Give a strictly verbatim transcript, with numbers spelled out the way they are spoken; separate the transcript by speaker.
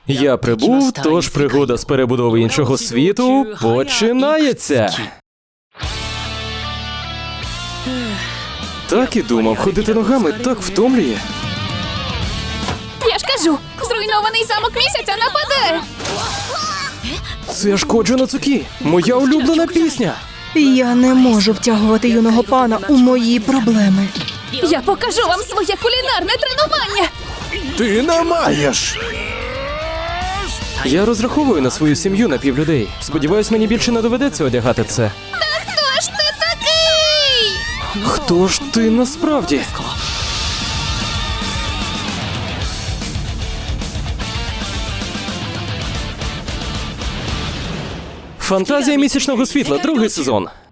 Speaker 1: Я прибув, тож пригода з перебудови іншого світу починається. Так і думав, ходити ногами так втомлює.
Speaker 2: Я ж кажу, зруйнований замок місяця нападе!
Speaker 1: Це ж Коджо Нацукі, моя улюблена пісня.
Speaker 3: Я не можу втягувати юного пана у мої проблеми.
Speaker 2: Я покажу вам своє кулінарне тренування!
Speaker 1: Ти не маєш! Я розраховую на свою сім'ю на півлюдей. Сподіваюсь, мені більше не доведеться одягати це.
Speaker 2: Та хто ж ти такий?
Speaker 1: Хто ж ти насправді? Фантазія місячного світла, другий сезон.